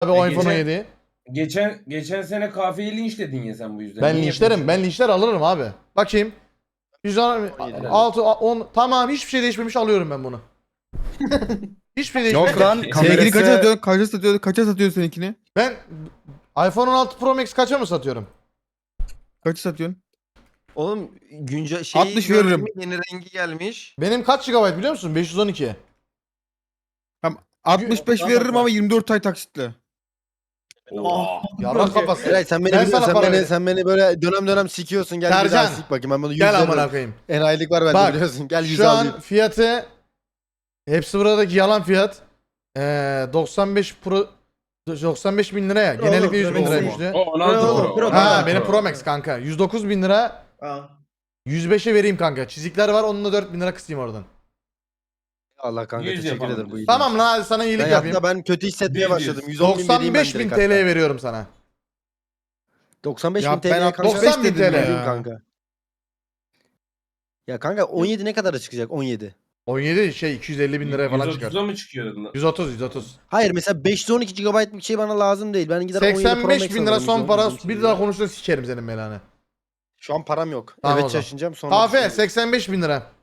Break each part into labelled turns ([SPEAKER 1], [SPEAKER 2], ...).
[SPEAKER 1] Tabii o iPhone 17.
[SPEAKER 2] Geçen sene kafeyi linçledin ya sen bu yüzden.
[SPEAKER 1] Ben
[SPEAKER 2] Niye
[SPEAKER 1] linçlerim.
[SPEAKER 2] yapıyorsun?
[SPEAKER 1] Ben linçler alırım abi. Bakayım. 116, 10. Tamam hiçbir şey değişmemiş alıyorum ben bunu. Hiçbir şey değişmemiş.
[SPEAKER 3] Yok lan
[SPEAKER 4] Seninkini
[SPEAKER 3] kamerası...
[SPEAKER 4] kaça satıyorsun? Kaça satıyorsun seninkini?
[SPEAKER 1] Ben iPhone 16 Pro Max kaça mı satıyorum?
[SPEAKER 4] Kaça satıyorsun?
[SPEAKER 3] Oğlum güncel şeyi
[SPEAKER 4] 60
[SPEAKER 3] gördün
[SPEAKER 4] veririm.
[SPEAKER 3] mü? Yeni rengi gelmiş.
[SPEAKER 1] Benim kaç GB biliyor musun? 512.
[SPEAKER 4] Tamam 65 veririm ama 24 ay taksitle.
[SPEAKER 2] Oha.
[SPEAKER 1] Yalan kafası.
[SPEAKER 3] Eray sen beni
[SPEAKER 1] Ben
[SPEAKER 3] biliyorsun,
[SPEAKER 1] sana para veririm.
[SPEAKER 3] sen beni böyle dönem dönem sikiyorsun. Gel bir daha
[SPEAKER 1] Sercan,
[SPEAKER 3] sik bakayım. Ben bunu 100
[SPEAKER 1] Gel
[SPEAKER 3] veririm.
[SPEAKER 1] amına koyayım.
[SPEAKER 3] Enayilik var bende
[SPEAKER 1] Bak,
[SPEAKER 3] biliyorsun. Gel 100
[SPEAKER 1] Şu
[SPEAKER 3] alayım.
[SPEAKER 1] an fiyatı hepsi buradaki yalan fiyat. 95 Pro 95 bin liraya. Genellikle 100 bin liraymıştı.
[SPEAKER 2] O 16 Pro.
[SPEAKER 5] Pro.
[SPEAKER 1] Ha benim Pro Max kanka. 109 bin lira. 105'e vereyim kanka. Çizikler var onunla 4 bin lira kısayım oradan.
[SPEAKER 3] Allah kanka
[SPEAKER 2] 100
[SPEAKER 3] teşekkür
[SPEAKER 2] yapalım
[SPEAKER 3] ederim bu
[SPEAKER 2] biz.
[SPEAKER 3] iyiliğin
[SPEAKER 1] Tamam lan hadi sana iyilik
[SPEAKER 3] Ben
[SPEAKER 1] yapayım.
[SPEAKER 3] hatta ben kötü hissetmeye
[SPEAKER 2] 100.
[SPEAKER 3] başladım. 110 bin vereyim ben
[SPEAKER 1] 95 bin
[SPEAKER 3] direkt
[SPEAKER 1] TL
[SPEAKER 3] hatta.
[SPEAKER 1] veriyorum sana.
[SPEAKER 3] 95
[SPEAKER 4] Ya
[SPEAKER 3] bin
[SPEAKER 4] ben
[SPEAKER 3] TL'ye kanka.
[SPEAKER 1] 90 bin
[SPEAKER 4] 95 dedim
[SPEAKER 1] TL.
[SPEAKER 3] Vereyim
[SPEAKER 4] ya.
[SPEAKER 3] kanka. Ya kanka 17 ne kadara çıkacak 17?
[SPEAKER 1] 17 şey 250 bin liraya falan çıkar.
[SPEAKER 2] 130'a mı çıkıyor?
[SPEAKER 1] 130.
[SPEAKER 3] Hayır mesela 512 GB bir şey bana lazım değil. Ben gider 17 Pro Max
[SPEAKER 1] 85 bin lira
[SPEAKER 3] alırım,
[SPEAKER 1] son
[SPEAKER 3] 110
[SPEAKER 1] para.
[SPEAKER 3] bin
[SPEAKER 1] Bir
[SPEAKER 3] TL.
[SPEAKER 1] daha konuşursa sikerim senin belanı.
[SPEAKER 3] Şu an param yok.
[SPEAKER 1] Tamam o
[SPEAKER 3] Evet
[SPEAKER 1] zaman.
[SPEAKER 3] şaşınacağım sonra.
[SPEAKER 1] Kahve
[SPEAKER 3] düşünürüm.
[SPEAKER 1] 85 bin lira.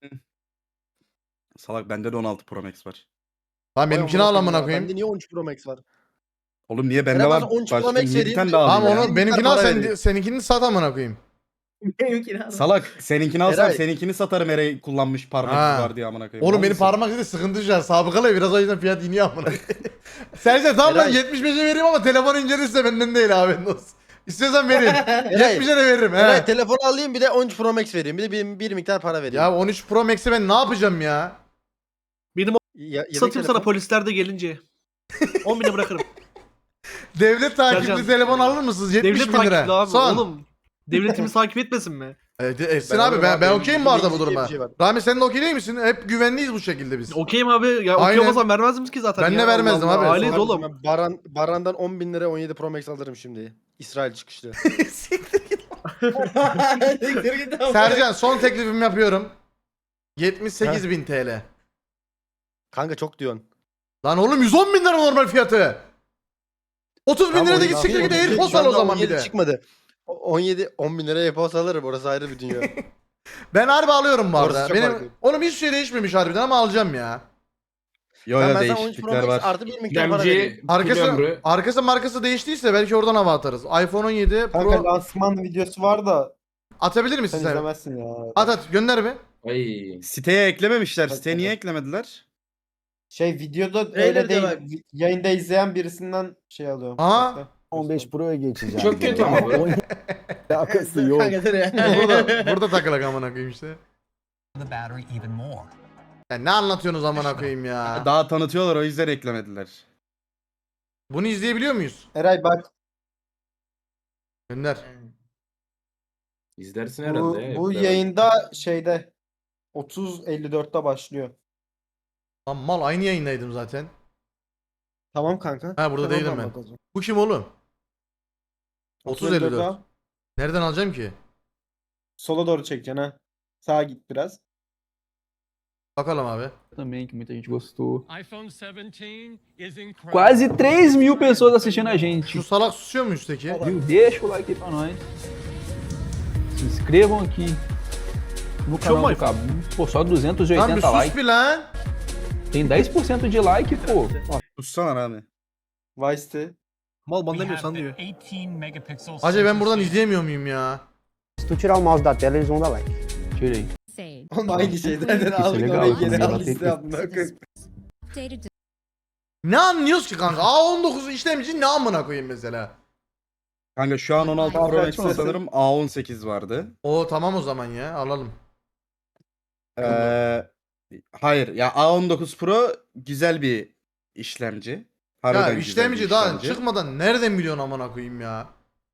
[SPEAKER 6] Salak bende de 16 Pro Max var.
[SPEAKER 1] Tamam
[SPEAKER 3] Vay
[SPEAKER 1] benimkini al amına
[SPEAKER 3] ya,
[SPEAKER 1] koyayım.
[SPEAKER 3] Bende niye 13 Pro Max var?
[SPEAKER 6] Oğlum niye bende
[SPEAKER 3] Ben
[SPEAKER 6] var?
[SPEAKER 3] bazen 13 Pro
[SPEAKER 6] Başka
[SPEAKER 3] Max
[SPEAKER 6] niye bir
[SPEAKER 3] vereyim,
[SPEAKER 6] tane daha
[SPEAKER 1] Tamam
[SPEAKER 6] alayım ya?
[SPEAKER 1] onu benimkini al
[SPEAKER 3] para
[SPEAKER 1] sen
[SPEAKER 3] vereyim.
[SPEAKER 1] seninkini sat amına koyayım.
[SPEAKER 6] Salak seninkini alsam
[SPEAKER 3] Eray.
[SPEAKER 6] seninkini satarım Eray kullanmış parmak
[SPEAKER 1] Ha.
[SPEAKER 6] var diye amına koyayım.
[SPEAKER 1] Oğlum
[SPEAKER 6] Mal
[SPEAKER 1] benim
[SPEAKER 6] mısın?
[SPEAKER 1] parmak izi sıkıntı şu an. Sabıkalı biraz o yüzden fiyat iniyor amına. Sercan tamam lan
[SPEAKER 3] Eray.
[SPEAKER 1] 75'e vereyim ama telefon incelirse benden değil abi. İstiyorsan vereyim. 70'e de veririm he.
[SPEAKER 3] Evet telefonu alayım bir de 13 Pro Max vereyim. Bir de bir miktar para vereyim.
[SPEAKER 1] Ya 13 Pro Max'i ben ne yapacağım ya?
[SPEAKER 3] Yedek
[SPEAKER 5] Satayım
[SPEAKER 3] telefon.
[SPEAKER 5] sana polislerde gelince. 10 bine bırakırım.
[SPEAKER 1] Devlet takipli
[SPEAKER 5] Sercan.
[SPEAKER 1] telefon alır mısınız? 70
[SPEAKER 5] Devlet
[SPEAKER 1] bin lira.
[SPEAKER 5] takipli abi
[SPEAKER 1] Son.
[SPEAKER 5] oğlum. Devletimiz takip etmesin mi?
[SPEAKER 1] Etsin
[SPEAKER 3] Ben
[SPEAKER 1] abi
[SPEAKER 3] alırım
[SPEAKER 1] ben,
[SPEAKER 3] abi,
[SPEAKER 1] ben
[SPEAKER 3] benim
[SPEAKER 1] okeyim bu arada bu
[SPEAKER 3] bildiğim
[SPEAKER 1] duruma.
[SPEAKER 3] bir şey var.
[SPEAKER 1] Rami sen de okey değil misin? Hep güvenliyiz bu şekilde biz.
[SPEAKER 5] Okeyim abi. Ya
[SPEAKER 1] Aynen.
[SPEAKER 5] okey olmasam vermez miyiz ki zaten?
[SPEAKER 1] Ben
[SPEAKER 5] ya?
[SPEAKER 1] de vermezdim
[SPEAKER 5] Allah
[SPEAKER 1] abi.
[SPEAKER 5] Allah, Aileyiz
[SPEAKER 3] Kardeşim,
[SPEAKER 5] oğlum.
[SPEAKER 3] ben Baran'dan 10 bin lira 17 Pro Max alırım şimdi. İsrail çıkışlı.
[SPEAKER 1] Sercan son teklifimi yapıyorum. 78 bin TL.
[SPEAKER 3] Kanka çok diyorsun.
[SPEAKER 1] Lan oğlum 110 bin lira normal fiyatı. 30 bin
[SPEAKER 3] Tamam,
[SPEAKER 1] lira da
[SPEAKER 3] 17
[SPEAKER 1] git siktir git
[SPEAKER 3] aldım.
[SPEAKER 1] AirPods
[SPEAKER 3] Şu
[SPEAKER 1] al o
[SPEAKER 3] anda
[SPEAKER 1] zaman bir
[SPEAKER 3] 17
[SPEAKER 1] de.
[SPEAKER 3] çıkmadı. 10 bin liraya AirPods alırım orası ayrı bir dünya.
[SPEAKER 1] Ben harbi alıyorum bu
[SPEAKER 3] Orası
[SPEAKER 1] arada.
[SPEAKER 3] çok
[SPEAKER 1] Benim
[SPEAKER 3] farklı.
[SPEAKER 1] oğlum hiçbir şey değişmemiş harbiden ama alacağım ya.
[SPEAKER 6] Yo
[SPEAKER 3] Ben
[SPEAKER 6] yo
[SPEAKER 3] sana 13 Pro
[SPEAKER 6] değişiklikler
[SPEAKER 3] Max
[SPEAKER 6] var.
[SPEAKER 3] artı bir miktar para vereyim.
[SPEAKER 2] Demci.
[SPEAKER 1] Arkası markası değiştiyse belki oradan hava atarız. iPhone 17
[SPEAKER 7] Kanka
[SPEAKER 1] Pro
[SPEAKER 7] lansman videosu var da
[SPEAKER 1] atabilir misin
[SPEAKER 7] sen
[SPEAKER 1] sen?
[SPEAKER 7] izlemezsin ya.
[SPEAKER 1] At gönder bir.
[SPEAKER 2] Ay.
[SPEAKER 6] Siteye eklememişler.
[SPEAKER 7] Tabii,
[SPEAKER 6] Siteye niye
[SPEAKER 7] tabii.
[SPEAKER 6] eklemediler?
[SPEAKER 7] Şey videoda
[SPEAKER 5] Trailer
[SPEAKER 7] öyle
[SPEAKER 5] de
[SPEAKER 7] değil.
[SPEAKER 5] var.
[SPEAKER 7] Yayında izleyen birisinden şey alıyorum.
[SPEAKER 1] Aha.
[SPEAKER 7] Bekle.
[SPEAKER 8] 15 Pro'ya geçeceğim.
[SPEAKER 2] Çok kötü ama bu.
[SPEAKER 8] Alakası yok.
[SPEAKER 1] burada takılak amına koyayım işte. Ya ne anlatıyorsunuz amına koyayım ya?
[SPEAKER 6] Daha tanıtıyorlar o yüzden eklemediler.
[SPEAKER 1] Bunu izleyebiliyor muyuz?
[SPEAKER 7] Eray bak
[SPEAKER 1] Gönder.
[SPEAKER 2] İzlersin
[SPEAKER 7] bu,
[SPEAKER 2] herhalde.
[SPEAKER 7] bu
[SPEAKER 2] Evet.
[SPEAKER 7] yayında şeyde 30.54'te başlıyor.
[SPEAKER 1] Lan mal aynı yayındaydım zaten.
[SPEAKER 7] Tamam kanka.
[SPEAKER 1] Ha, burada
[SPEAKER 7] Sen
[SPEAKER 1] değilim
[SPEAKER 7] oradan
[SPEAKER 1] ben.
[SPEAKER 7] bak o zaman.
[SPEAKER 1] Bu kim oğlum? 30.54.
[SPEAKER 7] 30.54'e
[SPEAKER 1] Nereden alacağım ki?
[SPEAKER 7] sola doğru çekeceksin ha. Sağa git biraz.
[SPEAKER 1] Bakalım abi.
[SPEAKER 9] Também, que muita gente gostou.
[SPEAKER 10] iPhone 17 is incredible.
[SPEAKER 9] Quase 3.000 pessoas assistindo a gente.
[SPEAKER 1] Şu salak susuyor mu üstteki?
[SPEAKER 9] Viu? Deixa o like aí pra nós. Se inscrevam aqui no canal do Cabo. Pô, só
[SPEAKER 1] Lan bir
[SPEAKER 9] 280
[SPEAKER 1] sus
[SPEAKER 9] likes.
[SPEAKER 1] bir lan.
[SPEAKER 9] Tem 10% de like, pô.
[SPEAKER 6] Tutsana Rami.
[SPEAKER 7] Vice'ti.
[SPEAKER 5] Mal
[SPEAKER 10] We have
[SPEAKER 5] banlamıyorsan
[SPEAKER 10] the
[SPEAKER 5] diyor.
[SPEAKER 10] 18 megapixel
[SPEAKER 1] Acaba ben buradan
[SPEAKER 10] sensor
[SPEAKER 1] izleyemiyor muyum ya?
[SPEAKER 8] Se tu tirar o mouse da tela, eles vão dar like.
[SPEAKER 9] Tirei.
[SPEAKER 7] Oğlum aynı şeyden
[SPEAKER 9] Isso é
[SPEAKER 7] aldık
[SPEAKER 9] legal,
[SPEAKER 7] orayı
[SPEAKER 9] quando
[SPEAKER 7] geri
[SPEAKER 9] ela
[SPEAKER 7] aldık
[SPEAKER 9] tem
[SPEAKER 7] size amına koyayım.
[SPEAKER 1] Ne anlıyoruz ki kanka? A19 işlemci ne amına koyayım mesela?
[SPEAKER 6] Kanka şu an 16
[SPEAKER 7] Kanka
[SPEAKER 6] Pro Max'te
[SPEAKER 7] açmasın.
[SPEAKER 6] sanırım A18 vardı.
[SPEAKER 1] O tamam o zaman ya alalım.
[SPEAKER 6] Hayır ya A19 Pro güzel bir işlemci. Harbiden
[SPEAKER 1] Ya
[SPEAKER 6] güzel bir
[SPEAKER 1] işlemci daha
[SPEAKER 6] işlemci.
[SPEAKER 1] çıkmadan nereden biliyorsun amına koyayım ya?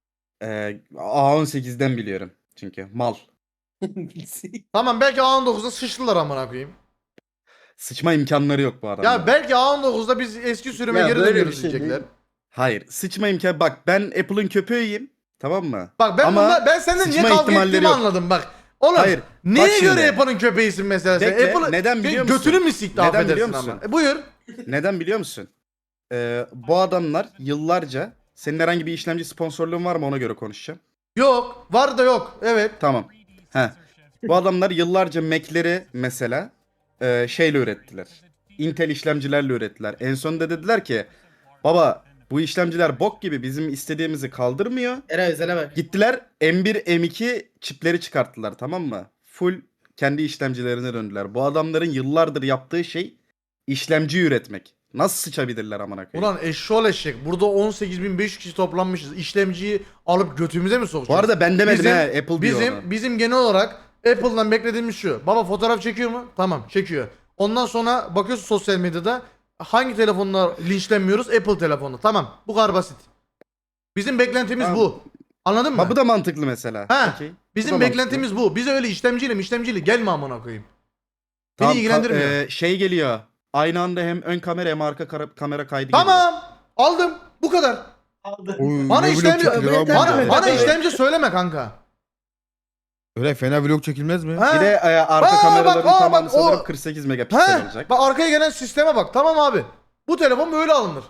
[SPEAKER 6] A18'den biliyorum çünkü mal.
[SPEAKER 1] Tamam belki A19'da sıçtılar amına koyayım.
[SPEAKER 6] Sıçma imkanları yok bu adamda.
[SPEAKER 1] Ya belki A19'da biz eski sürüme
[SPEAKER 7] Ya
[SPEAKER 1] geri
[SPEAKER 7] böyle bir
[SPEAKER 1] dönüyoruz
[SPEAKER 7] şey
[SPEAKER 1] diyecekler.
[SPEAKER 7] değil.
[SPEAKER 6] Hayır sıçma imkanı bak ben Apple'ın köpeğiyim tamam mı?
[SPEAKER 1] Bak ben
[SPEAKER 6] Ama
[SPEAKER 1] ben senden niye
[SPEAKER 6] sıçma
[SPEAKER 1] kavga
[SPEAKER 6] ihtimalleri
[SPEAKER 1] ettiğimi
[SPEAKER 6] yok.
[SPEAKER 1] anladım bak. Oğlum
[SPEAKER 6] Hayır,
[SPEAKER 1] neye
[SPEAKER 6] bak şimdi.
[SPEAKER 1] göre Apple'ın köpeğisin mesela sen?
[SPEAKER 6] Bekle,
[SPEAKER 1] Apple'ı
[SPEAKER 6] neden biliyor musun?
[SPEAKER 1] götünü mü sikti
[SPEAKER 6] Neden
[SPEAKER 1] affedersin
[SPEAKER 6] biliyor musun?
[SPEAKER 1] ama. Buyur.
[SPEAKER 6] Neden biliyor musun? Bu adamlar yıllarca senin herhangi bir işlemci sponsorluğun var mı ona göre konuşacağım.
[SPEAKER 1] Yok. Var da yok. Evet.
[SPEAKER 6] Tamam. He. Bu adamlar yıllarca Mac'leri mesela şeyle ürettiler. Intel işlemcilerle ürettiler. En sonunda dediler ki baba bu işlemciler bok gibi bizim istediğimizi kaldırmıyor.
[SPEAKER 7] Eray özele bak.
[SPEAKER 6] Gittiler M1 M2 çipleri çıkarttılar, tamam mı? Full kendi işlemcilerine döndüler. Bu adamların yıllardır yaptığı şey işlemci üretmek. Nasıl sıçabilirler amına koyayım?
[SPEAKER 1] Ulan eşşoğlu eşek. Burada 18.500 kişi toplanmışız. İşlemciyi alıp götümüze mi
[SPEAKER 6] Bu
[SPEAKER 1] sokacağız?
[SPEAKER 6] arada ben demedim
[SPEAKER 1] Bizim-
[SPEAKER 6] he, Apple diyor onu.
[SPEAKER 1] Bizim genel olarak Apple'dan beklediğimiz şu. Baba fotoğraf çekiyor mu? Tamam çekiyor. Ondan sonra bakıyorsun sosyal medyada hangi telefonla linçlenmiyoruz? Apple telefonu. Tamam. Bu kadar basit. Bizim beklentimiz
[SPEAKER 6] Tamam.
[SPEAKER 1] bu. Anladın mı?
[SPEAKER 6] Ha, bu da mantıklı mesela.
[SPEAKER 1] Ha,
[SPEAKER 6] Okey. Bu
[SPEAKER 1] Bizim
[SPEAKER 6] da
[SPEAKER 1] beklentimiz bu. Bize öyle işlemciyle gelme amına koyayım. Beni
[SPEAKER 6] Tamam,
[SPEAKER 1] ilgilendirmiyor.
[SPEAKER 6] şey geliyor. Aynı anda hem ön kamera hem arka kamera kaydı geliyor.
[SPEAKER 1] Tamam. Aldım. Bu kadar.
[SPEAKER 4] Oy,
[SPEAKER 1] Bana
[SPEAKER 4] ne vlog
[SPEAKER 1] işlemci
[SPEAKER 4] çekilir abi
[SPEAKER 1] bana,
[SPEAKER 4] burada?
[SPEAKER 1] bana işlemci söyleme kanka.
[SPEAKER 4] Öyle fena vlog çekilmez mi?
[SPEAKER 1] Ha?
[SPEAKER 6] Bir de arka
[SPEAKER 1] Aa,
[SPEAKER 6] kameraların
[SPEAKER 1] bak, aa,
[SPEAKER 6] tamamı
[SPEAKER 1] bak,
[SPEAKER 6] sanırım
[SPEAKER 1] o-
[SPEAKER 6] 48 megapiksel olacak.
[SPEAKER 1] Bak arkaya gelen sisteme bak. Tamam abi. Bu telefon böyle alınır.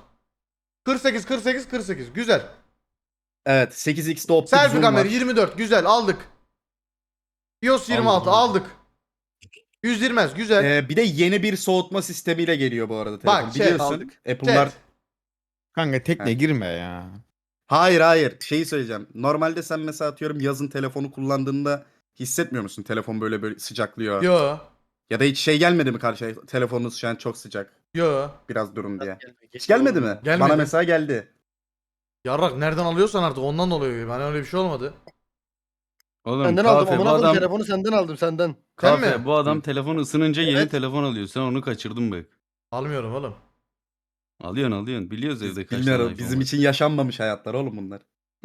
[SPEAKER 1] 48. Güzel.
[SPEAKER 6] Evet, 8x'de optik
[SPEAKER 1] Selfie
[SPEAKER 6] zoom
[SPEAKER 1] kamera
[SPEAKER 6] var.
[SPEAKER 1] 24. Güzel aldık. iOS 26 aldık. 120 güzel.
[SPEAKER 6] Bir de yeni bir soğutma sistemiyle geliyor bu arada telefon.
[SPEAKER 1] Bak,
[SPEAKER 6] Biliyorsun
[SPEAKER 1] aldık.
[SPEAKER 6] Apple'lar...
[SPEAKER 1] Chat.
[SPEAKER 4] Kanka tekne
[SPEAKER 6] Ha.
[SPEAKER 4] girme ya.
[SPEAKER 6] Hayır. Şeyi söyleyeceğim. Normalde sen mesela atıyorum yazın telefonu kullandığında hissetmiyor musun? Telefon böyle sıcaklıyor.
[SPEAKER 1] Yo.
[SPEAKER 6] Ya da hiç şey gelmedi mi karşıya? Telefonunuz şu an çok sıcak.
[SPEAKER 1] Yo.
[SPEAKER 6] Biraz durun diye. Hiç gelmedi mi?
[SPEAKER 1] Gelmedi.
[SPEAKER 6] Bana mesela geldi.
[SPEAKER 1] Yarrak nereden alıyorsan artık ondan oluyor. Bana öyle bir şey olmadı.
[SPEAKER 9] Oğlum
[SPEAKER 3] Senden aldım
[SPEAKER 9] kahve, bu
[SPEAKER 3] amına koyayım
[SPEAKER 9] adam,
[SPEAKER 3] telefonu senden aldım senden.
[SPEAKER 1] Sen
[SPEAKER 9] kahve,
[SPEAKER 1] mi?
[SPEAKER 9] bu adam telefon ısınınca yeni
[SPEAKER 3] Evet.
[SPEAKER 9] telefon alıyor. Sen onu kaçırdın bak.
[SPEAKER 1] Almıyorum oğlum.
[SPEAKER 9] Alıyorsun. Biliyoruz evde kaç tane
[SPEAKER 6] Bilmiyorum.
[SPEAKER 9] iPhone
[SPEAKER 6] Bizim
[SPEAKER 9] var.
[SPEAKER 6] için yaşanmamış hayatlar oğlum bunlar.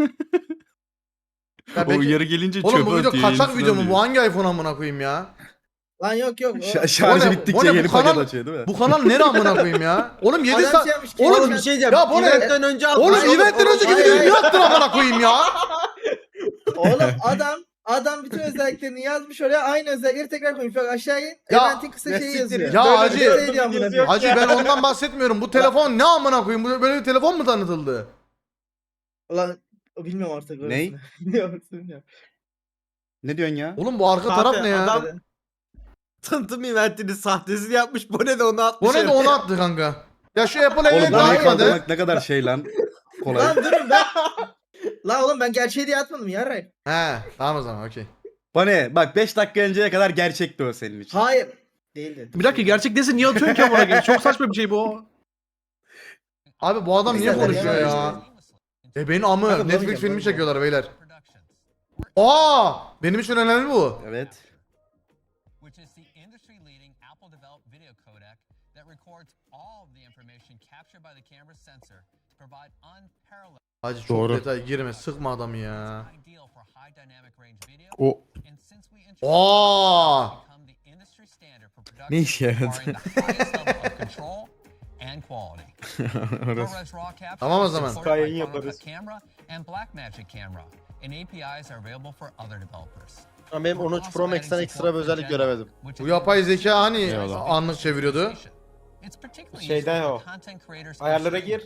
[SPEAKER 1] Ya
[SPEAKER 9] O
[SPEAKER 1] belki-
[SPEAKER 9] uyarı gelince
[SPEAKER 1] Oğlum
[SPEAKER 9] çöpe
[SPEAKER 1] bu video
[SPEAKER 9] atıyor,
[SPEAKER 1] kaçak
[SPEAKER 9] yenisini
[SPEAKER 1] video mu? Bu
[SPEAKER 9] alıyor.
[SPEAKER 1] hangi iPhone amına koyayım ya?
[SPEAKER 7] Lan yok.
[SPEAKER 6] Şarjı
[SPEAKER 1] Bu ne-
[SPEAKER 6] bittikçe
[SPEAKER 1] bu ne, bu
[SPEAKER 6] yeni
[SPEAKER 1] kanal-
[SPEAKER 6] paket açıyor değil mi?
[SPEAKER 1] Bu kanal nere amına koyayım ya? Oğlum 7 saat.
[SPEAKER 7] Oğlum
[SPEAKER 1] Oğlum
[SPEAKER 7] bir şey
[SPEAKER 1] ya bu ne?
[SPEAKER 7] önce
[SPEAKER 1] Oğlum eventten önceki videoyu niye attın amına koyayım ya?
[SPEAKER 7] Oğlum adam bütün özelliklerini yazmış oraya, aynı özellikleri tekrar koymuş. Bak aşağı in.
[SPEAKER 1] Ya,
[SPEAKER 7] Eventin kısa şeyi yazıyor.
[SPEAKER 1] Ya
[SPEAKER 7] Böyle
[SPEAKER 1] hacı.
[SPEAKER 7] bir şey diyor amına koyayım.
[SPEAKER 1] Hacı ben ondan bahsetmiyorum. Bu telefon ne amına koyayım? Böyle bir telefon mu tanıtıldı?
[SPEAKER 7] Ulan bilmiyorum artık.
[SPEAKER 6] Ney?
[SPEAKER 7] orasını. Bilmiyorum.
[SPEAKER 6] Ne diyorsun ya?
[SPEAKER 1] Oğlum bu arka taraf ne ya?
[SPEAKER 7] Adam-
[SPEAKER 11] Tanıtım eventini sahtesini yapmış. Bu ne de onu atmış.
[SPEAKER 1] Bu ne de onu attı kanka. Ya şu Apple
[SPEAKER 6] Oğlum
[SPEAKER 1] event
[SPEAKER 6] bunu
[SPEAKER 1] almadı.
[SPEAKER 6] kaldırmak ne kadar şey lan. Kolay.
[SPEAKER 7] Lan durun ben. Lan oğlum ben gerçeği diye atmadım ya Ray.
[SPEAKER 1] He tamam o zaman okey.
[SPEAKER 6] Bana bak 5 dakika önceye kadar gerçekti o senin için.
[SPEAKER 7] Hayır. Değildi.
[SPEAKER 5] Bir dakika gerçek desin niye atıyorsun ki amına koyayım? Çok saçma bir şey bu.
[SPEAKER 1] Abi bu adam niye
[SPEAKER 7] Güzel
[SPEAKER 1] konuşuyor
[SPEAKER 7] ya.
[SPEAKER 1] ya? Benim amı
[SPEAKER 7] Kanka,
[SPEAKER 1] Netflix
[SPEAKER 7] bulamayacağım,
[SPEAKER 1] filmi
[SPEAKER 7] bulamayacağım.
[SPEAKER 1] çekiyorlar beyler. Aa! Benim için önemli bu.
[SPEAKER 6] Evet.
[SPEAKER 10] which is the industry-leading Apple-developed video codec that records all of the information captured by the camera's sensor to provide unparalleled
[SPEAKER 1] Hacı çok
[SPEAKER 4] Doğru.
[SPEAKER 1] detay girme sıkma adamı ya.
[SPEAKER 10] ideal for high dynamic range video.
[SPEAKER 4] O
[SPEAKER 10] And since we introduced
[SPEAKER 1] Aa!
[SPEAKER 10] become the industry standard for production
[SPEAKER 4] Ne işe yaradı?
[SPEAKER 10] requiring the highest level of control and quality. ProRes RAW capture
[SPEAKER 1] Tamam o
[SPEAKER 10] is
[SPEAKER 1] zaman.
[SPEAKER 10] supported by
[SPEAKER 7] Yayın
[SPEAKER 10] Final Cut
[SPEAKER 7] yaparız.
[SPEAKER 10] Camera and Blackmagic Camera, and APIs are available for other developers.
[SPEAKER 3] Ama benim 13 Pro Max'ten ekstra bir özellik göremedim.
[SPEAKER 1] Bu yapay zeka hani
[SPEAKER 4] Eyvallah.
[SPEAKER 1] anlık çeviriyordu.
[SPEAKER 11] Şeyden o. Ayarlara gir.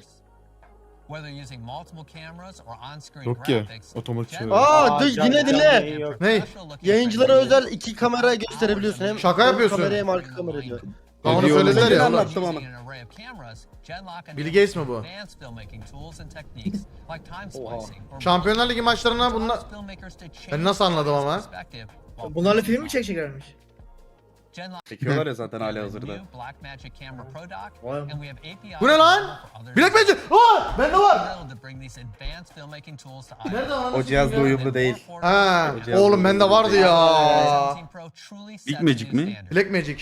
[SPEAKER 4] yok ki. Otomatik çeviriyor.
[SPEAKER 3] Aa yine dinle.
[SPEAKER 1] Ney?
[SPEAKER 3] Yayıncılara özel 2 kamera gösterebiliyorsun. Hem
[SPEAKER 1] Şaka
[SPEAKER 3] ön
[SPEAKER 1] yapıyorsun.
[SPEAKER 3] Kamera hem arka kamera diyor.
[SPEAKER 1] Ha, onu
[SPEAKER 4] Ediyor
[SPEAKER 1] söylediler ya.
[SPEAKER 6] Ediyor.
[SPEAKER 1] oğlum.
[SPEAKER 6] Anlattım
[SPEAKER 1] Bill Gates mi bu? Şampiyonlar Ligi maçlarına bunlar... Ben nasıl anladım ama?
[SPEAKER 7] Bunlarla film mi çekeceklermiş?
[SPEAKER 6] Çekiyorlar ya zaten hali hazırda.
[SPEAKER 1] Bu ne lan? Blackmagic! Aa! Bende var! Nerede lan?
[SPEAKER 6] O cihazla uyumlu değil.
[SPEAKER 1] Ha,
[SPEAKER 6] O cihaz
[SPEAKER 1] oğlum bende vardı ya.
[SPEAKER 9] Blackmagic mi?
[SPEAKER 1] Blackmagic.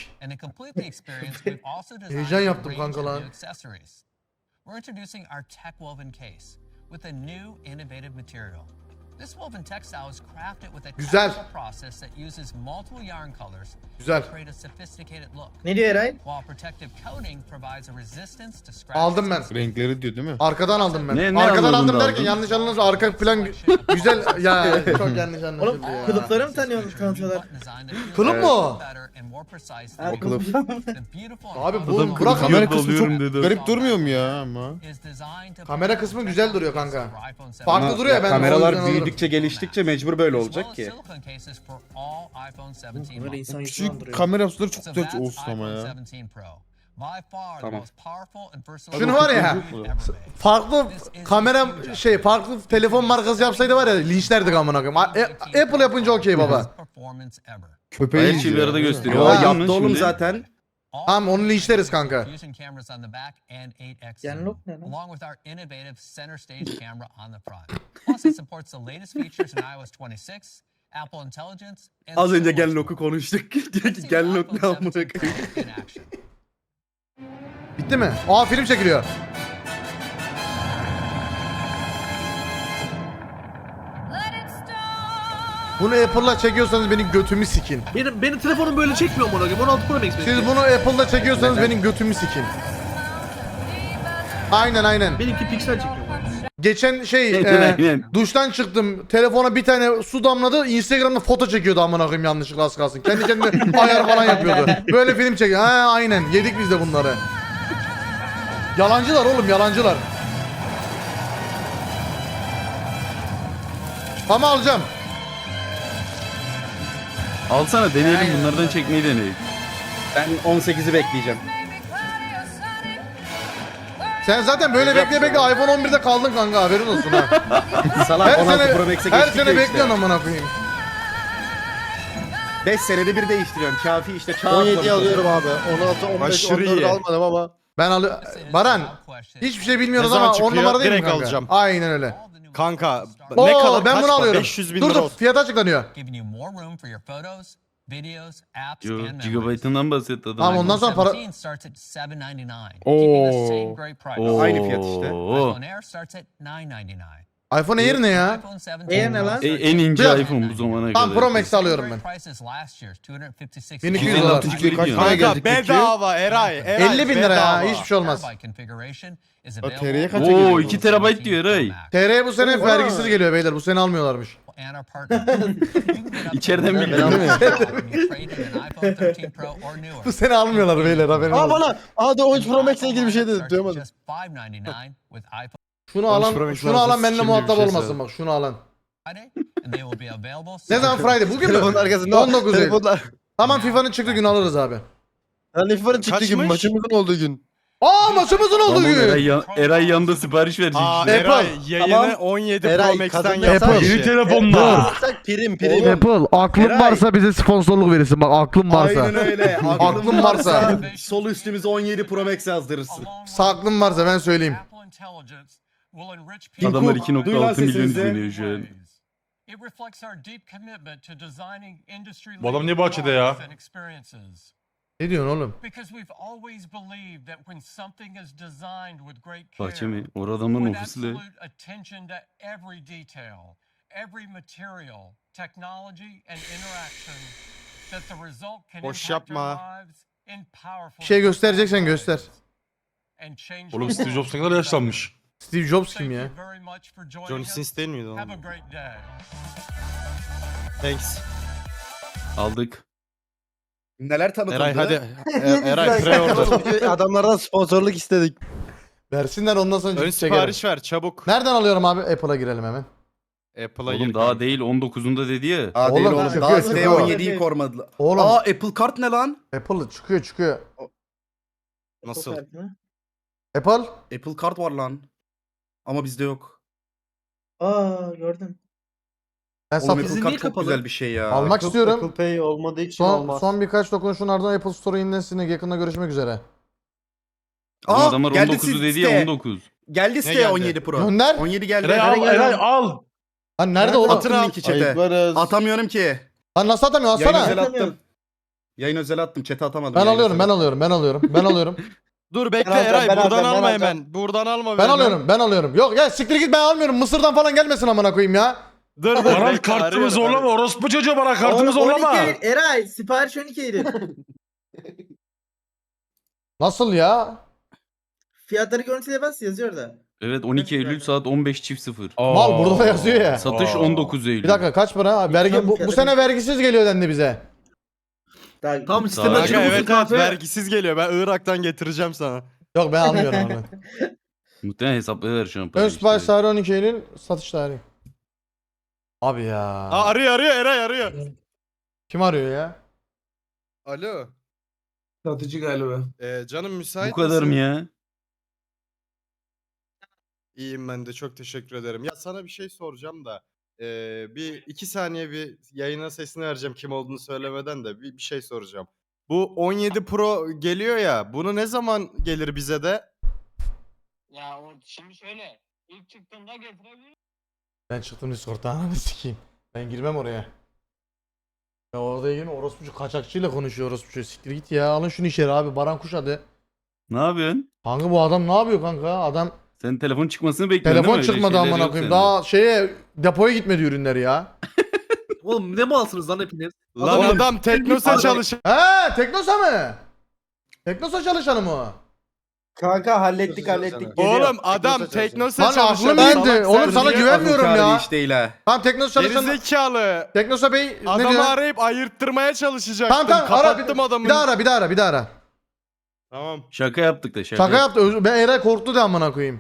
[SPEAKER 1] Heyecan yaptım kanka lan.
[SPEAKER 10] We're introducing our tech woven case with a new innovative material. This woven textile is crafted with a
[SPEAKER 1] Güzel.
[SPEAKER 10] technical process that uses multiple yarn colors
[SPEAKER 1] Güzel.
[SPEAKER 10] to create a sophisticated look.
[SPEAKER 7] Ne diyor Eray?
[SPEAKER 10] While protective coating provides a resistance to scratches.
[SPEAKER 1] Aldım ben.
[SPEAKER 4] Renkleri diyor değil mi?
[SPEAKER 1] Arkadan aldım ben.
[SPEAKER 9] Ne
[SPEAKER 1] Arkadan
[SPEAKER 9] anlamında
[SPEAKER 1] aldım derken
[SPEAKER 9] aldın?
[SPEAKER 1] yanlış anladınız. Arka plan güzel ya çok yanlış
[SPEAKER 7] Oğlum
[SPEAKER 1] anlaşıldı ya.
[SPEAKER 7] kılıfları mı tanıyorsun tanıtıyorlar?
[SPEAKER 1] Kılıf mu o?
[SPEAKER 10] and more precise
[SPEAKER 7] Ha,
[SPEAKER 10] than
[SPEAKER 6] kılıf.
[SPEAKER 10] the beautiful and
[SPEAKER 1] Abi bu
[SPEAKER 10] powerful
[SPEAKER 1] bırak
[SPEAKER 4] Kamera kısmı çok
[SPEAKER 6] Alıyorum dedi.
[SPEAKER 4] garip durmuyor mu ya ama?
[SPEAKER 10] is designed to
[SPEAKER 1] Kamera kısmı güzel duruyor kanka.
[SPEAKER 10] for iPhone 17
[SPEAKER 1] Farklı
[SPEAKER 6] Ama
[SPEAKER 1] duruyor ya, ben o
[SPEAKER 6] kameralar
[SPEAKER 1] yüzden alırım.
[SPEAKER 6] büyüdükçe geliştikçe mecbur böyle
[SPEAKER 10] as
[SPEAKER 6] olacak
[SPEAKER 10] well as
[SPEAKER 6] ki.
[SPEAKER 10] silicone cases for all iPhone 17
[SPEAKER 7] Böyle
[SPEAKER 10] models.
[SPEAKER 7] insan yüzünden
[SPEAKER 4] Küçük
[SPEAKER 7] duruyor.
[SPEAKER 4] kamera yapsaları çok
[SPEAKER 10] So
[SPEAKER 4] güzel
[SPEAKER 10] that's
[SPEAKER 4] olsun ama
[SPEAKER 10] iPhone
[SPEAKER 4] ya.
[SPEAKER 10] 17 Pro. By far the
[SPEAKER 6] Tamam.
[SPEAKER 10] most powerful and versatile
[SPEAKER 1] Şunu var ya,
[SPEAKER 10] phone ever made.
[SPEAKER 1] farklı kamera farklı telefon markası yapsaydı var ya linçlerdik amına koyayım. Apple yapınca okey baba.
[SPEAKER 10] Best performance ever.
[SPEAKER 4] Köpeği
[SPEAKER 5] Bayağı
[SPEAKER 4] izliyor.
[SPEAKER 5] bir arada
[SPEAKER 4] değil mi?
[SPEAKER 5] gösteriyor.
[SPEAKER 6] Yo
[SPEAKER 1] Ha,
[SPEAKER 6] yaptı oğlum zaten.
[SPEAKER 1] Tamam, onu linçleriz kanka.
[SPEAKER 10] Fusion cameras on the back and 8x
[SPEAKER 7] Genlock ne lan?
[SPEAKER 10] along with our innovative center stage camera on the front. Plus it supports the latest features in iOS 26, Apple Intelligence, and
[SPEAKER 6] Az önce
[SPEAKER 10] so much
[SPEAKER 6] Genlock'u
[SPEAKER 10] more.
[SPEAKER 6] konuştuk. Diyor
[SPEAKER 10] Let's
[SPEAKER 6] ki
[SPEAKER 10] see what
[SPEAKER 6] Genlock ne
[SPEAKER 10] iPhone
[SPEAKER 6] amına
[SPEAKER 10] 17 Pro
[SPEAKER 6] koyayım.
[SPEAKER 10] in action.
[SPEAKER 1] Bitti mi? Aa, film çekiliyor. Bunu Apple'la çekiyorsanız benim götümü sikin.
[SPEAKER 5] Benim telefonum böyle çekmiyor amına koyayım. 16 Pro Max benim.
[SPEAKER 1] Siz bunu Apple'la çekiyorsanız benim götümü sikin. Aynen.
[SPEAKER 5] Benimki piksel çekiyor.
[SPEAKER 1] Geçen
[SPEAKER 5] Aynen.
[SPEAKER 1] duştan çıktım. Telefona bir tane su damladı. Instagram'da foto çekiyordu amına koyayım, yanlışlıkla az kalsın. Kendi kendine ayar falan yapıyordu. Böyle film çekiyor. Ha aynen. Yedik biz de bunları. Yalancılar oğlum, yalancılar. Ama alacağım.
[SPEAKER 5] Alsana deneyelim, bunlardan çekmeyi deneyelim.
[SPEAKER 6] Ben 18'i bekleyeceğim.
[SPEAKER 1] Sen zaten böyle bekle iPhone 11'de kaldın kanka, haberin olsun ha.
[SPEAKER 6] Salak
[SPEAKER 1] Her
[SPEAKER 6] 16
[SPEAKER 1] sene,
[SPEAKER 6] Pro Max'e
[SPEAKER 1] her
[SPEAKER 6] geçtik
[SPEAKER 1] sene
[SPEAKER 6] ya
[SPEAKER 1] bekliyorsun
[SPEAKER 6] işte.
[SPEAKER 1] amına koyayım.
[SPEAKER 6] 5 senede bir değiştiriyorum. Kafi işte çağ
[SPEAKER 3] 17
[SPEAKER 6] atlamış.
[SPEAKER 3] alıyorum abi. 16, 15,
[SPEAKER 11] Aşırı
[SPEAKER 3] 14
[SPEAKER 11] iyi.
[SPEAKER 3] almadım ama.
[SPEAKER 1] Ben Baran, hiçbir şey bilmiyoruz
[SPEAKER 11] Ne
[SPEAKER 1] ama
[SPEAKER 11] zaman
[SPEAKER 1] 10
[SPEAKER 11] çıkıyor?
[SPEAKER 1] numara değil mi
[SPEAKER 11] Direkt
[SPEAKER 1] kanka?
[SPEAKER 11] alacağım.
[SPEAKER 1] Aynen öyle.
[SPEAKER 11] Kanka
[SPEAKER 1] Oo,
[SPEAKER 11] ne kadar
[SPEAKER 1] ben
[SPEAKER 11] kaç
[SPEAKER 1] bunu
[SPEAKER 11] para?
[SPEAKER 1] alıyorum.
[SPEAKER 11] 500 bin
[SPEAKER 1] Dur
[SPEAKER 11] lira
[SPEAKER 1] dur,
[SPEAKER 11] olsun.
[SPEAKER 1] fiyat açıklanıyor.
[SPEAKER 10] Giving you more room for your photos, videos, apps,
[SPEAKER 5] Yo,
[SPEAKER 10] and memories.
[SPEAKER 5] gigabaytından bahsetti adam.
[SPEAKER 1] Tamam, ondan sonra para...
[SPEAKER 10] 17 starts at $799, keeping the same great price.
[SPEAKER 6] Aynı fiyat işte.
[SPEAKER 10] iPhone Air starts at $999.
[SPEAKER 1] iPhone Air ne ya?
[SPEAKER 10] iPhone 17
[SPEAKER 7] Air ne lan?
[SPEAKER 5] En ince
[SPEAKER 1] Biraz-
[SPEAKER 5] iPhone bu zamana kadar.
[SPEAKER 1] Tamam, Pro Max alıyorum ben.
[SPEAKER 10] Great prices last year, $256.
[SPEAKER 1] 1200 dolar.
[SPEAKER 5] 256 GB
[SPEAKER 4] Kaç
[SPEAKER 5] diyor.
[SPEAKER 4] para
[SPEAKER 11] Kanka
[SPEAKER 4] gelecek peki?
[SPEAKER 11] bedava Eray.
[SPEAKER 1] 50 bin lira ya,
[SPEAKER 11] bedava.
[SPEAKER 1] hiçbir şey olmaz.
[SPEAKER 10] Terabyte configuration is
[SPEAKER 4] TL'ye
[SPEAKER 10] available
[SPEAKER 4] kaça
[SPEAKER 10] on
[SPEAKER 4] geliyor?
[SPEAKER 5] Oo 2 TB diyor Eray.
[SPEAKER 1] TR bu sene vergisiz geliyor beyler, bu sene almıyorlarmış.
[SPEAKER 10] and our partner. You can get up to
[SPEAKER 5] İçeriden
[SPEAKER 10] $1,000
[SPEAKER 5] biliyorum.
[SPEAKER 10] when you trade in an iPhone 13 Pro or newer.
[SPEAKER 1] Bu sene almıyorlar beyler, haberin
[SPEAKER 3] Aa
[SPEAKER 1] olsun.
[SPEAKER 3] bana. Aa da 13 Pro Max'le ilgili bir şey dedim.
[SPEAKER 10] Starts at
[SPEAKER 3] Duyamadım.
[SPEAKER 10] just $599 with iPhone
[SPEAKER 1] Şunu
[SPEAKER 3] 13 Pro
[SPEAKER 1] alan,
[SPEAKER 3] Max
[SPEAKER 1] şunu alan
[SPEAKER 3] varsa
[SPEAKER 1] benimle
[SPEAKER 3] şimdi bir
[SPEAKER 1] muhatap
[SPEAKER 3] şey
[SPEAKER 1] olmasın
[SPEAKER 3] söyle.
[SPEAKER 1] bak, şunu alan.
[SPEAKER 10] Friday, and they will be available.
[SPEAKER 1] Ne zaman Friday? Bugün mü?
[SPEAKER 3] Telefonun arkasında
[SPEAKER 1] 19 Eylül.
[SPEAKER 3] telefonlar.
[SPEAKER 1] Tamam, FIFA'nın çıktığı gün alırız abi.
[SPEAKER 3] Lan FIFA'nın çıktığı gün
[SPEAKER 11] Kaçmış?
[SPEAKER 3] maçımızın olduğu gün.
[SPEAKER 1] Aa, maçımızın olduğu
[SPEAKER 5] Tamam,
[SPEAKER 1] gün.
[SPEAKER 5] Eray yanında sipariş verecek.
[SPEAKER 11] Aa
[SPEAKER 5] işte.
[SPEAKER 11] Eray
[SPEAKER 1] Apple.
[SPEAKER 11] yayını
[SPEAKER 3] Tamam.
[SPEAKER 11] 17
[SPEAKER 3] Eray,
[SPEAKER 11] Pro Max'ten
[SPEAKER 3] kadın
[SPEAKER 11] yapar
[SPEAKER 3] yapar.
[SPEAKER 11] işi.
[SPEAKER 1] telefonla.
[SPEAKER 3] Prim.
[SPEAKER 1] Apple, aklın
[SPEAKER 6] Eray.
[SPEAKER 1] varsa bize sponsorluk verirsin bak, aklın varsa.
[SPEAKER 6] Aynen öyle.
[SPEAKER 1] Aklın varsa.
[SPEAKER 6] Sol üstümüze 17 Pro Max yazdırırsın.
[SPEAKER 1] Aklın varsa ben söyleyeyim.
[SPEAKER 5] Adamlar
[SPEAKER 6] Tim Cook,
[SPEAKER 5] 2.6
[SPEAKER 6] duy lan
[SPEAKER 5] milyon
[SPEAKER 6] sesinizi.
[SPEAKER 5] izleniyor şu an.
[SPEAKER 12] Bu adam niye bahçede ya?
[SPEAKER 1] Ne diyorsun oğlum?
[SPEAKER 5] Bahçe mi? Orada adamın ofisi de.
[SPEAKER 11] Boş yapma.
[SPEAKER 1] Bir şey göstereceksen göster.
[SPEAKER 12] Oğlum Steve Jobs ne kadar yaşlanmış.
[SPEAKER 1] Steve Jobs kim ya?
[SPEAKER 11] Johnny Sins değil miydi oğlum? Thanks.
[SPEAKER 5] Aldık.
[SPEAKER 6] Neler tanıtıldı?
[SPEAKER 11] Eray hadi. Eray pre-order.
[SPEAKER 3] Adamlardan sponsorluk istedik.
[SPEAKER 1] Versinler, ondan sonra
[SPEAKER 11] Ön
[SPEAKER 1] çekerim.
[SPEAKER 11] sipariş ver çabuk.
[SPEAKER 1] Nereden alıyorum abi? Apple'a girelim hemen.
[SPEAKER 11] Apple'a
[SPEAKER 5] Oğlum
[SPEAKER 11] gir.
[SPEAKER 5] daha değil 19'unda dedi ya.
[SPEAKER 6] Aa değil
[SPEAKER 1] Oğlum,
[SPEAKER 6] oğlum.
[SPEAKER 1] çıkıyor,
[SPEAKER 6] Daha
[SPEAKER 1] çıkıyor.
[SPEAKER 6] S17'yi korumadılar.
[SPEAKER 1] Oğlum,
[SPEAKER 6] Aa Apple Kart ne lan?
[SPEAKER 1] Apple çıkıyor.
[SPEAKER 11] Nasıl?
[SPEAKER 1] Apple?
[SPEAKER 6] Apple Kart var lan. Ama bizde yok.
[SPEAKER 7] Aa gördüm.
[SPEAKER 1] Ben
[SPEAKER 6] Oğlum
[SPEAKER 1] satın
[SPEAKER 6] Apple
[SPEAKER 5] niye
[SPEAKER 6] Kart çok
[SPEAKER 5] kapalı?
[SPEAKER 6] güzel bir şey ya.
[SPEAKER 1] almak istiyorum.
[SPEAKER 3] Apple Pay olmadığı için olmaz.
[SPEAKER 1] Son birkaç dokunuşun ardından Apple Store yenilensin. Yakında görüşmek üzere.
[SPEAKER 5] Oğlum
[SPEAKER 6] Aa,
[SPEAKER 5] adamlar
[SPEAKER 6] geldi
[SPEAKER 5] 19'u dedi
[SPEAKER 6] site.
[SPEAKER 5] ya 19.
[SPEAKER 6] Geldi siteye
[SPEAKER 11] geldi?
[SPEAKER 6] 17 Pro.
[SPEAKER 1] Gönder.
[SPEAKER 6] 17 geldi.
[SPEAKER 12] Eray al, Eray al.
[SPEAKER 1] Lan nerede oğlum?
[SPEAKER 6] Atın linki chat'e.
[SPEAKER 3] Ayıklarız.
[SPEAKER 6] Atamıyorum ki.
[SPEAKER 1] Lan nasıl atamıyorsun?
[SPEAKER 6] Yayın
[SPEAKER 1] Atsana.
[SPEAKER 6] özel
[SPEAKER 7] Atamıyorum.
[SPEAKER 6] attım. Yayın özel attım. Chat'e atamadım.
[SPEAKER 1] Ben
[SPEAKER 6] Yayın
[SPEAKER 1] alıyorum,
[SPEAKER 6] özel
[SPEAKER 1] ben alıyorum, ben alıyorum, ben alıyorum.
[SPEAKER 11] Dur bekle
[SPEAKER 3] Ben alacağım,
[SPEAKER 11] Eray
[SPEAKER 3] ben
[SPEAKER 11] buradan
[SPEAKER 3] alacağım, ben
[SPEAKER 11] alma
[SPEAKER 3] alacağım.
[SPEAKER 11] hemen. Buradan alma.
[SPEAKER 1] Ben
[SPEAKER 11] hemen.
[SPEAKER 1] alıyorum, ben alıyorum. Yok ya, siktir git, ben almıyorum. Mısır'dan falan gelmesin amına koyayım ya.
[SPEAKER 11] Dur dur.
[SPEAKER 12] Baran
[SPEAKER 11] bekle,
[SPEAKER 12] kartımı
[SPEAKER 11] arıyorum,
[SPEAKER 12] zorlama.
[SPEAKER 11] arıyorum.
[SPEAKER 12] Orospu çocuğu bana kartımı
[SPEAKER 7] Oğlum,
[SPEAKER 12] zorlama.
[SPEAKER 7] 12 Eylül. Eray sipariş 12 Eylül.
[SPEAKER 1] Nasıl ya?
[SPEAKER 7] Fiyatları görüntüle bas yazıyor da.
[SPEAKER 5] Evet 12 Eylül saat 15.00.
[SPEAKER 1] Mal burada da yazıyor ya.
[SPEAKER 5] Satış
[SPEAKER 12] Aa.
[SPEAKER 5] 19 Eylül.
[SPEAKER 1] Bir dakika, kaç para? Vergi bu sene vergisiz geliyor dendi bize.
[SPEAKER 11] Tam
[SPEAKER 5] Sağ ol.
[SPEAKER 11] sistem açılmış
[SPEAKER 12] evet,
[SPEAKER 11] kahve.
[SPEAKER 3] vergisiz geliyor. Ben Irak'tan getireceğim sana.
[SPEAKER 1] Yok ben almıyorum onu.
[SPEAKER 5] Muhtemelen hesaplayıver şu an
[SPEAKER 1] Ön
[SPEAKER 5] parayı
[SPEAKER 1] sipariş
[SPEAKER 5] işte.
[SPEAKER 1] tarihi 12 Eylül satış tarihi. Abi ya.
[SPEAKER 3] Arıyor Eray arıyor.
[SPEAKER 1] Kim arıyor ya?
[SPEAKER 3] Alo.
[SPEAKER 11] Satıcı galiba.
[SPEAKER 3] Canım müsait
[SPEAKER 5] Bu kadar
[SPEAKER 3] misin?
[SPEAKER 5] mı ya?
[SPEAKER 3] İyiyim ben de çok teşekkür ederim. Ya sana bir şey soracağım da bir 2 saniye bir yayına sesini vereceğim kim olduğunu söylemeden de bir şey soracağım. Bu 17 Pro geliyor ya bunu ne zaman gelir bize de?
[SPEAKER 10] Ya o şimdi şöyle ilk çıktığında getirebilirim.
[SPEAKER 1] Ben çıktım Discord'dan ananı sikeyim. Ben girmem oraya. Ya orada yine orospucu kaçakçıyla konuşuyor orospucu. Siktir git ya alın şunu içeri abi. Baran Kuş adı.
[SPEAKER 5] Ne yapıyorsun?
[SPEAKER 1] Kanka bu adam ne yapıyor kanka? Adam
[SPEAKER 5] Sen telefon çıkmasını bekliyorsun
[SPEAKER 1] telefon
[SPEAKER 5] değil mi? Öyle
[SPEAKER 1] çıkmadı
[SPEAKER 5] şeyler
[SPEAKER 1] amına
[SPEAKER 5] yok
[SPEAKER 1] koyayım.
[SPEAKER 5] sende.
[SPEAKER 1] Daha şeye depoya gitmedi ürünler ya.
[SPEAKER 11] Oğlum ne malsınız lan hepiniz?
[SPEAKER 3] Lan adam Teknosa
[SPEAKER 11] Adam-
[SPEAKER 3] çalışıyor.
[SPEAKER 1] He Teknosa mı? Teknosa çalışanı mı o?
[SPEAKER 7] Kanka hallettik
[SPEAKER 3] Oğlum adam Teknosa
[SPEAKER 1] Lan
[SPEAKER 3] çalışıyor.
[SPEAKER 1] aklım
[SPEAKER 3] Salak
[SPEAKER 1] bende. Oğlum
[SPEAKER 3] sen
[SPEAKER 1] sana
[SPEAKER 3] niye-
[SPEAKER 1] güvenmiyorum ya.
[SPEAKER 6] Hiç değil ha.
[SPEAKER 1] Tamam Teknosa çalışanı.
[SPEAKER 3] Gerizekalı.
[SPEAKER 1] Teknosa Bey ne
[SPEAKER 3] Adamı
[SPEAKER 1] diyor?
[SPEAKER 3] arayıp ayırttırmaya çalışacaktım.
[SPEAKER 1] Tamam tamam ara
[SPEAKER 3] Kapattım adamı.
[SPEAKER 1] bir daha ara bir daha ara.
[SPEAKER 3] Tamam.
[SPEAKER 5] Şaka yaptık da şaka.
[SPEAKER 1] Şaka yaptı. Ben Eray korktu da amına koyayım.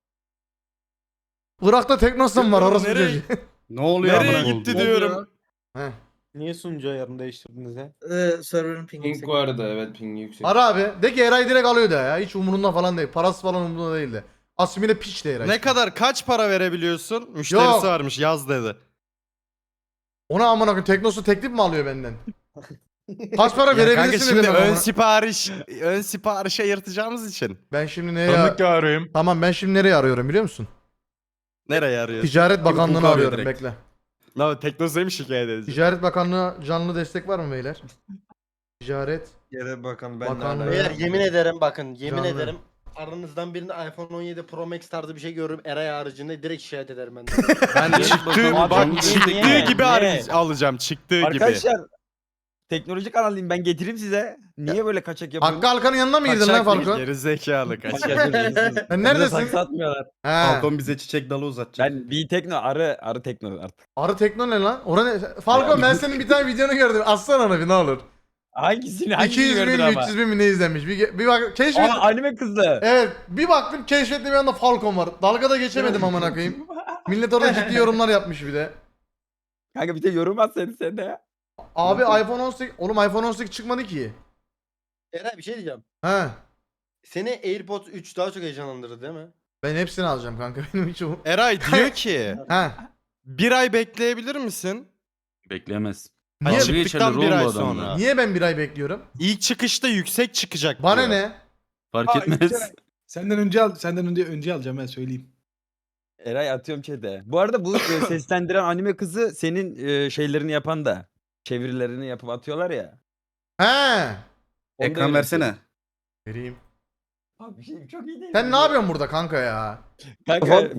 [SPEAKER 1] Irak'ta Teknosa mı var orası
[SPEAKER 3] Nereye-
[SPEAKER 1] çocuğu?
[SPEAKER 6] Ne oluyor
[SPEAKER 3] Nereye
[SPEAKER 6] amına
[SPEAKER 3] gitti
[SPEAKER 6] koyayım?
[SPEAKER 3] diyorum.
[SPEAKER 1] Heh.
[SPEAKER 8] Niye sunucu ayarını değiştirdiniz ya?
[SPEAKER 7] Server'ın pingi
[SPEAKER 2] Ping bu arada, evet ping yüksek.
[SPEAKER 1] Ara abi. De ki Eray direkt alıyor da ya. Hiç umurunda falan değil. Parası falan umurunda değil de. Asimile piç de Eray.
[SPEAKER 3] Ne kadar kaç para verebiliyorsun? Müşterisi
[SPEAKER 1] Yok.
[SPEAKER 3] varmış yaz dedi.
[SPEAKER 1] Ona amına koyayım Teknosa teklif mi alıyor benden? Kaç para
[SPEAKER 3] Ya kanka
[SPEAKER 1] verebilirsin
[SPEAKER 3] şimdi
[SPEAKER 1] dedim
[SPEAKER 3] ön
[SPEAKER 1] amına.
[SPEAKER 3] siparişe yırtacağımız için.
[SPEAKER 1] Ben şimdi nereye
[SPEAKER 12] arayayım.
[SPEAKER 1] Tamam ben şimdi nereye arıyorum biliyor musun?
[SPEAKER 3] Nereye arıyorsun?
[SPEAKER 1] Ticaret Bakanlığı'nı
[SPEAKER 3] Hukuk
[SPEAKER 1] arıyorum
[SPEAKER 3] direkt.
[SPEAKER 1] bekle.
[SPEAKER 3] Lan Teknosa'yı mı şikayet edeceğim?
[SPEAKER 1] Ticaret Bakanlığı canlı destek var mı beyler? Ticaret
[SPEAKER 4] Yere bakalım
[SPEAKER 1] Bakanlığı.
[SPEAKER 3] Beyler,
[SPEAKER 8] yemin ederim bakın yemin
[SPEAKER 1] Canlı.
[SPEAKER 8] ederim aranızdan birinde iPhone 17 Pro Max tarzı bir şey görürüm Eray haricinde direkt şikayet ederim ben de.
[SPEAKER 3] Ben çıktığı,
[SPEAKER 5] Abi,
[SPEAKER 3] bak
[SPEAKER 5] niye?
[SPEAKER 3] çıktığı
[SPEAKER 5] Niye?
[SPEAKER 3] gibi alacağım. Çıktığı gibi.
[SPEAKER 4] teknoloji kanalıyım ben getireyim size. Niye böyle kaçak
[SPEAKER 1] Hakkı Alkan'ın yanına mı girdin lan Falcon?
[SPEAKER 3] Gerizekalı kaç.
[SPEAKER 1] Sen neredesin?
[SPEAKER 8] Satmıyorlar.
[SPEAKER 1] He.
[SPEAKER 6] Falcon bize çiçek dalı uzatacak.
[SPEAKER 8] Ben bir tekno arı tekno artık.
[SPEAKER 1] Arı Tekno ne lan? Orada ne? Falcon ben senin bir tane videonu gördüm. Atsana onu bir ne olur.
[SPEAKER 8] Hangisini
[SPEAKER 1] 200 bin, 300 bin mi ne izlenmiş? Bir bak keşfet.
[SPEAKER 8] anime kızdı.
[SPEAKER 1] Evet bir baktım keşfettim bir anda Falcon var. Dalgada geçemedim amına koyayım. Millet orada ciddi yorumlar yapmış bir de.
[SPEAKER 8] Kanka bir de yorum at sen de ya.
[SPEAKER 1] Abi iPhone 18 oğlum iPhone 18 çıkmadı ki.
[SPEAKER 8] Eray bir şey diyeceğim.
[SPEAKER 1] He.
[SPEAKER 8] Seni AirPods 3 daha çok heyecanlandırdı değil mi?
[SPEAKER 1] Ben hepsini alacağım kanka benim hiç o.
[SPEAKER 3] Eray diyor ki
[SPEAKER 1] He.
[SPEAKER 3] bir ay bekleyebilir misin?
[SPEAKER 5] Bekleyemez.
[SPEAKER 1] Niye?
[SPEAKER 5] Dalga
[SPEAKER 3] Çıktıktan
[SPEAKER 5] geçerler
[SPEAKER 3] bir
[SPEAKER 5] oğlum
[SPEAKER 3] ay
[SPEAKER 5] bu adamla.
[SPEAKER 3] sonra.
[SPEAKER 1] Niye ben bir ay bekliyorum?
[SPEAKER 3] İlk çıkışta yüksek çıkacak
[SPEAKER 1] Bana
[SPEAKER 3] diyor.
[SPEAKER 1] ne?
[SPEAKER 5] Fark etmez.
[SPEAKER 12] Senden önce alacağım ben söyleyeyim.
[SPEAKER 8] Eray atıyorum chat'e. Bu arada bu seslendiren anime kızı senin şeylerini yapan da. Çevirilerini yapıp atıyorlar ya.
[SPEAKER 1] He.
[SPEAKER 8] Onu da
[SPEAKER 6] Ekran
[SPEAKER 8] öyle
[SPEAKER 6] versene.
[SPEAKER 1] Vereyim.
[SPEAKER 8] Abi bir şey çok iyi değil.
[SPEAKER 1] Sen ne yapıyorsun burada kanka ya?
[SPEAKER 8] Kanka